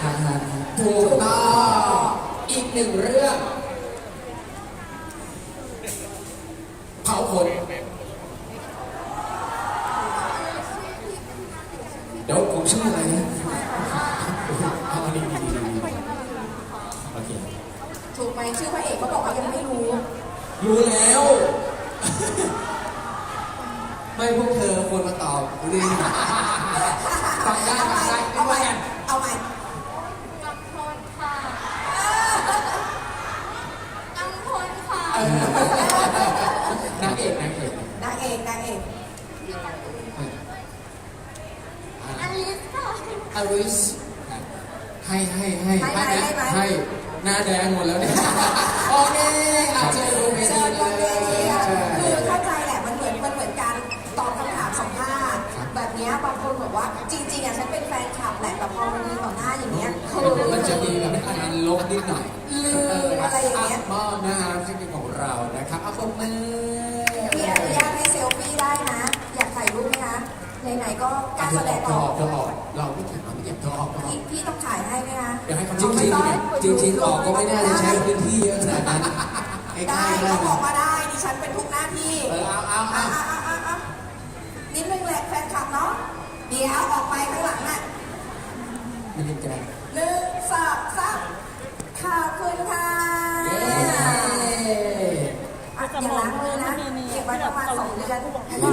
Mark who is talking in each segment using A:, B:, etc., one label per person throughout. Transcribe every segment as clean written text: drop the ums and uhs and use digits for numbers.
A: ถูกต้องอีกหนึ่งเรื่องเผาขนเดี๋ยวผมชื่ออะไรนะเอาดีโอเค
B: ถูกไหมชื่อพระเอกเขาบอกว่ายังไม่รู้
A: แล้ว ไม่พวกเธอควรมาตอบดิฟังได้
B: เอาใหม่กำพลค่ะกำพลค่ะ
A: นางเอก
B: อลิสค่ะ
A: อลิสให้หน้าแดงหมดแล้วเนี่ยโอเคอาจจะดูไม่ดีเลย
B: คือเข้าใจแหละมันเหมือนการตอบคำถามสัมภาษณ์แบบนี้บางคนบอกว่าจริงๆอ่ะฉันเป็นแฟนคลับแหละแต่พอมันมีต่อหน้าอย่างเงี้ย
A: มันจะมีแบบการลบนิดหน่อย
B: อะไรอย่างเงี้ย
A: มอบนะครับที่เป็นของเรานะครับเอาคนมือ
B: พี่อนุญาตให้เซลฟี่ได้นะอยากถ่ายรูปไหมคะไหนๆก็การแสดงออก
A: เราไม่เก็บเธอออก
B: พี่ต้องถ่ายให้ไหมคะ
A: เดี๋ยวให้เขาจริงออกก็ไม่น่าจะใช้พื้นที่เยอะขนาดนั้น
B: ได้เขาบอกมาได้ดิฉันเป็นทุกหน้าที่
A: เอา
B: นิดนึงแหละแฟนคลับเนาะเดี๋ยวออกไปข้างหลังน่ะ
A: ไม่ได้กัน
B: 1 2 3ขอบคุณค่ะอย่าล้างมือนะเก็บไว้ประมาณ2 เดือน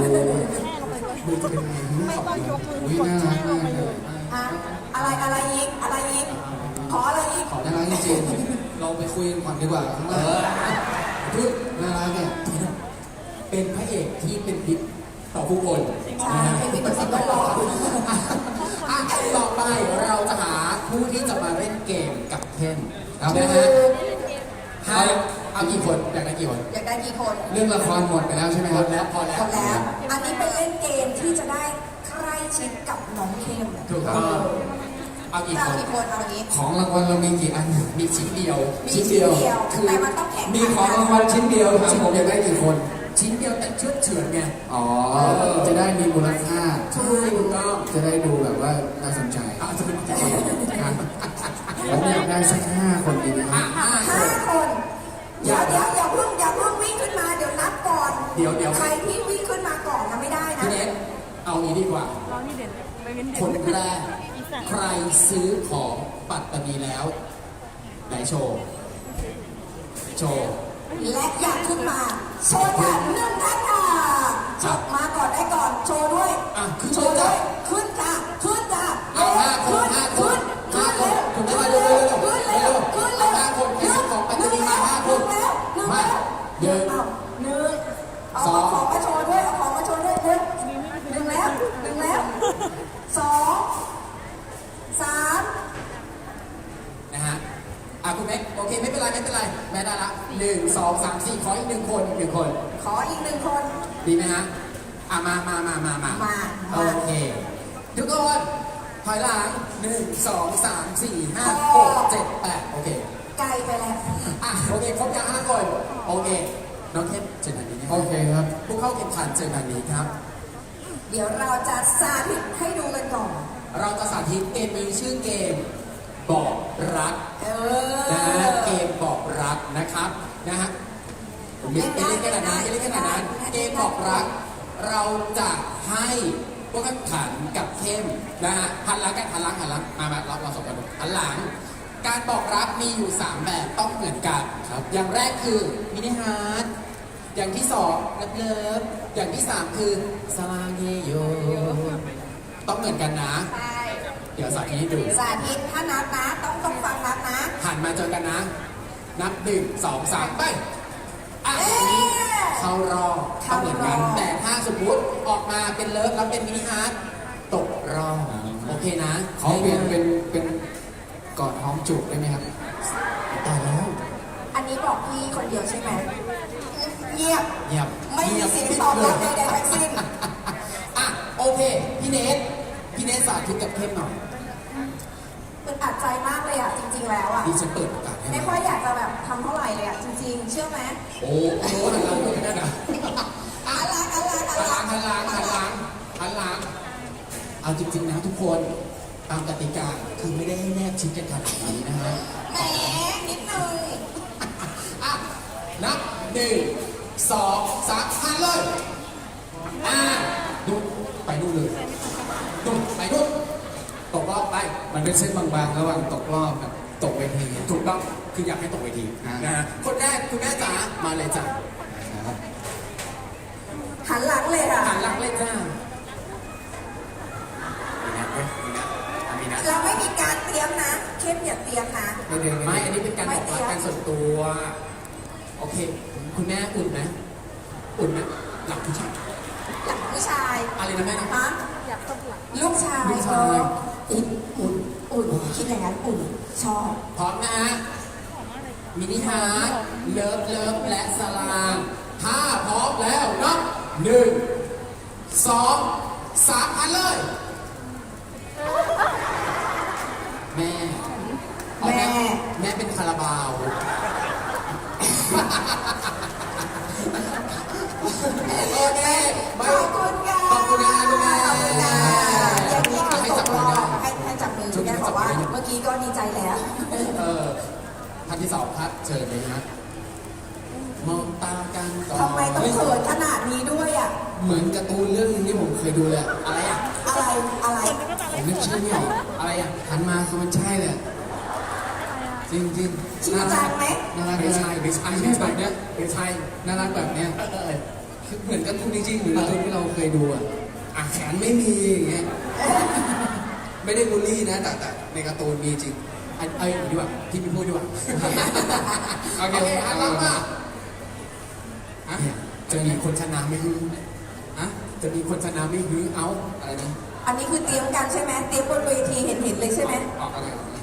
C: ไม่ต้องยกมือกดแช่ลงไปเลย
B: อะไรยิงขออะไรยิง
A: ขอน่ารักจริงๆเราไปคุยกันก่อนดีกว่าข้างล่างพูดน่ารักเนี่ยเป็นพระเอกที่เป็นพิษต่อผู้คน
B: เป็นพิษต่อสิ่งแวดล้อม
A: ต่อไปเราจะหาผู้ที่จะมาเล่นเกมกับเทนนะฮะเอากี่คนอยากได้กี่คนเรื่องละครหมดไปแล้วใช่ไหมครับ
B: พอแล้วอันนี้เป็นเล่นเกมที่จะได้ใกล้ชิดกับน้องเข้ม
A: ถูกต้องเอากี่คนของรางวัลเรามีกี่อันมีชิ้นเดียว
B: คือแต่มันต้องแข่ง
A: มีของรางวัลชิ้นเดียวครับผมอยากได้กี่คนชิ้นเดียวแต่เฉือนไงจะได้มีมูลค่าถูกต้องจะได้ดูแบบว่าน่าสนใจผมอยากได้สัก5 คนดีไหมครับ
B: 5 คนอย่าเพิ่งวิ่งขึ้นมาเดี๋ยวนับก่อน
A: เดี๋ยว
B: ใครที่วิ่งขึ้นมาก่อนนะไม่ได้นะ
A: พี่เนทเอางี้ดีกว่าคนแรกใครซื้อของปัตตานีแล้วไหนโชว์
B: และอยากขึ้นมาโชว์ค่ะเรื่องนั้นค่ะมาก่อนได้ก่อนโชว์ด้วยโชว์ด้วยขึ้นจ้ะ
A: เอา5 คนขึ้นได้เร็ว5 คนใครซื้อของปัตตานีมา5 คนมา1
B: เอาของมาโชว์ด้วย1แล้ว2 3
A: นะฮะคุณเม็กโอเคไม่เป็นไรแม่ได้ละ1 2 3 4ขออีก1 คน
B: ขออีก1 คน
A: ดีไหมฮะมาโอเคทุกคนถอยหลัง1 2 3 4 5 6 7 8โอเค
B: ไกลไปแล้ว
A: โอเคครบยัง5 คนโอเคน้องเทพเจอกันนี้โอเคครับผู้เข้าแข่งขันเจอกันนี้ครับ
B: เดี๋ยวเราจะสาธิตให้ดูกันก่อน
A: เราจะสาธิตเกมมีชื่อเกมบอกรักนะฮะเกมบอกรักนะครับนะฮะเล่นขนาดนั้นเกมบอกรักเราจะให้พวกแข่งขันกับเข้มนะฮะหันหลังมาเราสองคนหันหลังการบอกรักมีอยู่3 แบบต้องเหมือนกันครับอย่างแรกคือมินิฮาร์ทอย่างที่2เลิฟอย่างที่3คือสลาเงโยต้องเหมือนกันนะเดี๋ยวสาธิตให้ดู
B: ถ้านับนะต้องฟังนับนะ
A: หันมาเจอกันนะนับ1 2 3ไปเข้ารอบต้องเหมือนกันแต่ถ้าสมมุติออกมาเป็นเลิฟแล้วเป็นมินิฮาร์ทตกรอบโอเคนะเขาเปลี่ยนเป็นกอดหอมจูบได้ไหมครับตายแล้ว
B: อันนี้บอกพี่คนเดียวใช่ไหมเงียบไม่มีเสียงตอบรับใดๆทั้งสิ้น
A: โอเคพี่เนทสาธิตกับเข้มหน่อย
B: เป็นอัดใจมากเลยจริงๆแล้ว
A: ดิฉันเปิดโอกาสให้
B: ไม่ค่อยอยากจะแบบทำเท่าไหร่เลยจริงๆเชื่อไหม
A: โอ้หันหลังไม่ได้นะ
B: หันหลัง
A: เอาจริงๆนะทุกคนตามกติกาคือไม่ได้ให้แนบชิดกันขนาดนี้นะฮะ
B: แหมนิดนึง
A: อ่ะนับหนึ่งสองสามหันเลยดูไปดูเลยดูไปดูตกรอบไป
D: มันเป็นเส้นบางๆระหว่างตกรอบกับตกเวที
A: ถูกต้องคืออยากให้ตกเวทีนะฮะคนแรกคุณแม่จ๋ามาเลยจ้ะ
D: นะครับ
B: หันหลังเลยค่ะ
A: หันหลังเลยจ้ามีนะเว้ยมีนะ
B: เราไม่มีการเตรียมนะเข้มอย่าเตรียมนะ
A: ไม่อันนี้เป็นการบอกรักกันส่วนตัว โอเค คุณแม่อุ่นไหมอุ่นไหมหลับผู้ชาย
B: หลังผู้ชาย
A: อะไรนะแม่นะ
B: ฮะ
C: อยากตบหลัง
B: ลูกชาย
A: ลูกชายอุ่นอุ่น
B: อุ่นคิดอย่างนั้นอุ่นชอบ
A: พร้อมนะฮะมินิฮาร์ดเลิฟเลิฟและสลามถ้าพร้อมแล้วนับหนึ่งสองสามอันเลย แม่อ๋อแม่เป็นคาราบาวโอเค
B: ขอบคุณค่ะ
A: ขอบคุณนะคุณแม่
B: ขอบคุณค่ะอย่างนี้คือ
A: ให้
B: ต
A: จับ
B: กร
A: มือ
B: อ
A: ได้
B: บให้จับมือคุณแม่บอกว่าเมื่อกี้ก็ดีใจแล้ว
A: ท่านที่สองครับเชิญเลยนะมองตากันก่อน
B: ทำไมต้องเขินขนาดนี้ด้วยอ่ะ
D: เหมือนการ์ตูนเรื่องนึงที่ผมเคยดูเลยอะ
A: อะไรอ่ะ
B: อะไร
D: ผมนึกชื่อไม่ออก
A: อะไรอ่ะ
D: หันมาคือมันใช่เลยอะจริงจริง
B: จริงจังไหม
D: น่ารัก
A: ไม่ใช่ไม่ใช่
D: ไม่ใช่แบบเนี้ย
A: ไม่ใช่
D: น่ารักแบบเนี้ย
A: เออ
D: คือเหมือนการ์ตูนจริงๆเหมือนการ์ตูนที่เราเคยดูอ่ะแขนไม่มีอย่างเงี้ยไม่ได้บูลลี่นะแต่ในการ์ตูนมีจริง
A: เอ้ยดีกว่าพี่ไม่พูดดีกว่า
D: โอเค
A: อันรับมาอ่ะจะมีคนชนะไหม่ฮือ
D: อะ
A: จะมีคนชนะไหม่ฮือเอา
D: อะไรนะ
B: อันนี้คือเตรียมกันใช่ไหมเตรียมบนเวทีเห็นเลยใช่ไหม
D: ออกอะไรออกอะไร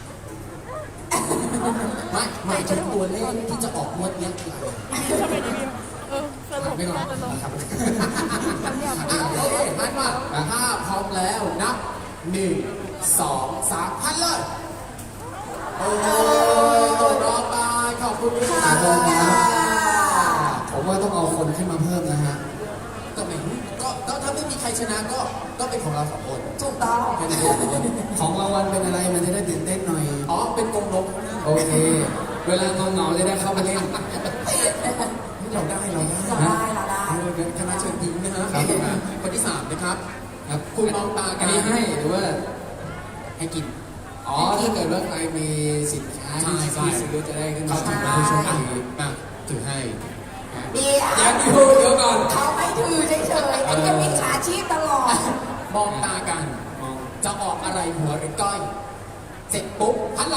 A: ไม่ไม่ถึงตัวเลขที่จะออกงวดเนี้ยคืออะไร
C: สรุป
D: ไม่ก่อน
C: สรุป
D: ครับ
A: โอเคพันมาถ้าพร้อมแล้วนับหนึ่งสองสามพันเลยโอ้รอไปขอบคุณค่ะ
D: ขอบคุณครับ ผมว่าต้องเอาคนขึ้นมาเพิ่มนะฮะ
A: ก็ไม่รู้ก็ถ้าไม่มีใครชนะก็เป็นของเราสองคน
B: ถูกต้อง
D: แค่นั้นเองของรางวัลเป็นอะไรมันจะได้ตื่นเต้นหน่อย
A: อ๋อเป็นกงนก
D: โอเค เวลาเงาๆจะได้เข้าไปเล่น
A: เราได้
B: เราได้
A: คณะเชิญยิ้มนะฮะ
D: ครับ
A: คนที่สามนะครับ
D: ครับ
A: คุณมองตากั
D: อั
A: น
D: นนี้ให้หรือว่า
A: ให้กิน
D: อ๋อ ถ้าเกิดว่าใครมีสินค้า
A: ใช่
D: ที่
A: ใช่
D: ซื้อจะได้ขึ้น
A: เขา
D: มา
A: ถือ
D: เป็น
A: มา
D: ผู้โชค
A: อ่ะ
D: ดี
A: อ่ะถือให้
B: เดี๋ยว
D: เดี๋ยวก่อน
B: เขาไม่ถือเฉยๆอันนี้มิจฉาชีพตลอด
A: มองตากัน
D: มอง
A: จะออกอะไรหัวหรือก้อย เสร็จปุ๊บหันหลัง